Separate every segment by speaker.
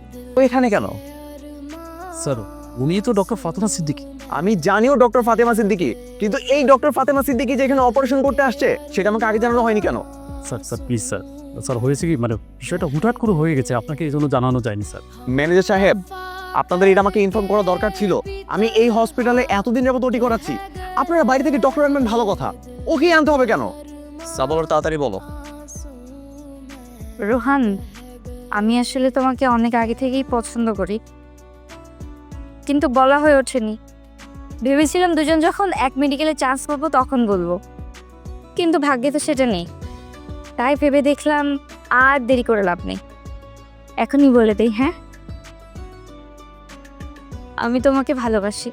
Speaker 1: তো এখানে কেন?
Speaker 2: স্যার উনি তো ডক্টর ফাতেমা সিদ্দিকী।
Speaker 1: আমি জানিও ডক্টর ফাতেমা সিদ্দিকী, কিন্তু এই ডক্টর ফাতেমা সিদ্দিকী যে এখানে অপারেশন করতে আসছে সেটা আমাকে আগে জানানো হয়নি কেন?
Speaker 2: Sir sir please sir, sir হয়েছে কি মানে বিষয়টা হুটহাট করে হয়ে গেছে, আপনাকে এই জন্য জানানো যায়নি স্যার।
Speaker 1: ম্যানেজার সাহেব, আপনাদের এটা আমাকে ইনফর্ম করা দরকার ছিল। আমি এই হসপিটালে এতদিন যাবত ওটি করাচ্ছি, আপনারা বাইরে থেকে ডক্টর আনবেন ভালো কথা, ওকে আনতে হবে কেন? সাবর তাড়াতাড়ি বলো।
Speaker 3: রোহান, আমি আসলে তোমাকে অনেক আগে থেকেই পছন্দ করি, কিন্তু বলা হয়ে ওঠেনি। ভেবেছিলাম দুজন যখন এক মেডিকেলে চান্স পাবো তখন বলবো, কিন্তু ভাগ্যে তো সেটা নেই। তাই ভেবে দেখলাম আর দেরি করে লাভ নেই, এখনই বলে দেই। হ্যাঁ, আমি তোমাকে ভালোবাসি।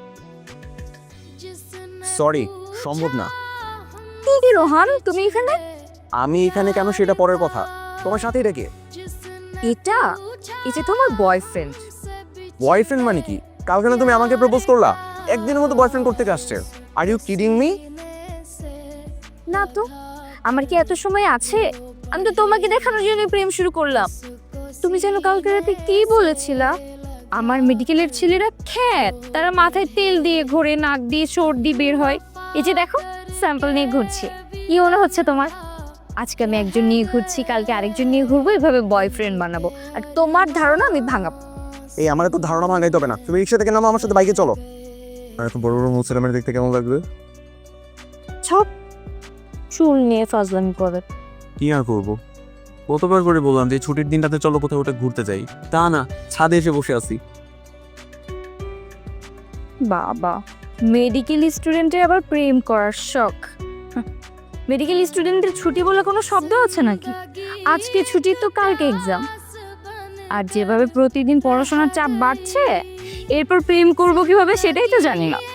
Speaker 1: সরি, সম্ভব না।
Speaker 3: কি রোহান, তুমি এখানে?
Speaker 1: আমি এখানে কেন সেটা পরের কথা, তোমার সাথেই রেখে।
Speaker 3: এটা এটা তোমার বয়ফ্রেন্ড?
Speaker 1: বয়ফ্রেন্ড মানে কি? কালকে না তুমি আমাকে প্রপোজ করলা, একদিনের মতো বয়ফ্রেন্ড করতে আসছে। Are you kidding me?
Speaker 3: না তো, আমার কি এত সময় আছে? আমি তো তোমাকে দেখানোর জন্য প্রেম শুরু করলাম। তুমি যেন কালকে রাতে কি বলেছিলা, আমার মেডিকেলের ছেলেরা খ্যাত, তারা মাথায় তেল দিয়ে ঘোরে, নাক দিয়ে সর্দি বের হয়। এই যে দেখো, স্যাম্পল নিয়ে ঘুরছি। কি মনে হচ্ছে তোমার? আজকে আমি একজন নিয়ে ঘুরছি, কালকে আরেকজন নিয়ে ঘুরবো, এভাবে বয়ফ্রেন্ড বানাবো। আর তোমার ধারণা আমি ভাঙাবো।
Speaker 1: এই আমার তো ধারণা ভাঙাইতে হবে না, তুমি রিক্সা থেকে নামো, আমার সাথে বাইকে চলো। আর এত বড় বড় মুসলমানের দেখতে কেমন লাগবে?
Speaker 3: সব চুল নিয়ে ফাজলামি করে।
Speaker 2: কি আর করবো, কতবার করে বললাম যে ছুটির দিনটাতে চলো কোথাও ওটা ঘুরতে যাই, তা না, ছাদে এসে বসে আছি।
Speaker 3: বাবা, মেডিকেল স্টুডেন্টের আবার প্রেম করার শখ। মেডিকেল স্টুডেন্টের ছুটি বলে কোনো শব্দ আছে নাকি? আজকে ছুটি তো কালকে এক্সাম। আর যেভাবে প্রতিদিন পড়াশোনার চাপ বাড়ছে, এরপর প্রেম করব কিভাবে সেটাই তো জানি না।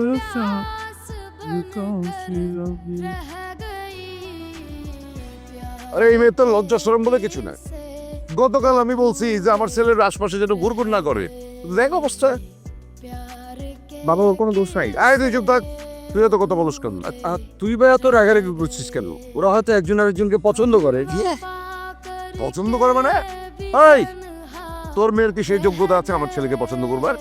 Speaker 4: আরে এই মেয়ে তো লজ্জা শরম বলে কিছু না। গতকাল আমি বলছি যে আমার ছেলের আশপাশে যেন ঘুরঘুর না করে, দেখ অবস্থা।
Speaker 1: বাবা, ওর কোনো দোষ নাই।
Speaker 4: আয় তুই চুপ থাক, তুই তো কথা বলিস কেন?
Speaker 5: তুই ভাই এত রাগারাগি করছিস কেন? ওরা হয়তো একজন আরেকজনকে পছন্দ করে।
Speaker 4: পছন্দ করে মানে? এই, তোর মেয়ের কি সেই যোগ্যতা আছে আমার ছেলেকে পছন্দ করবার?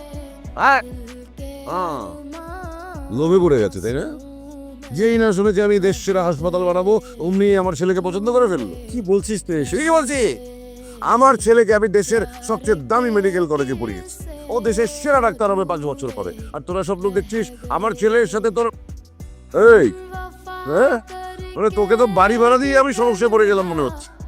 Speaker 4: লোভে পড়ে গেছে তাই না? যেই না শুনেছি আমি দেশ সেরা হাসপাতাল বানাবো, অমনি আমার ছেলেকে পছন্দ করে ফেললো।
Speaker 5: কি বলছিস তুই এসব?
Speaker 4: ঠিকই বলছি, আমার ছেলেকে আমি দেশের সবচেয়ে দামি মেডিকেল কলেজে পড়িয়েছি। ও দেশের সেরা ডাক্তার হবে 5 বছর পরে। আর তোরা সব লোক দেখছিস আমার ছেলের সাথে তোর এই, হ্যাঁ, মানে তোকে তো বাড়ি ভাড়া দিয়ে আমি সমস্যায় পড়ে গেলাম মনে হচ্ছে।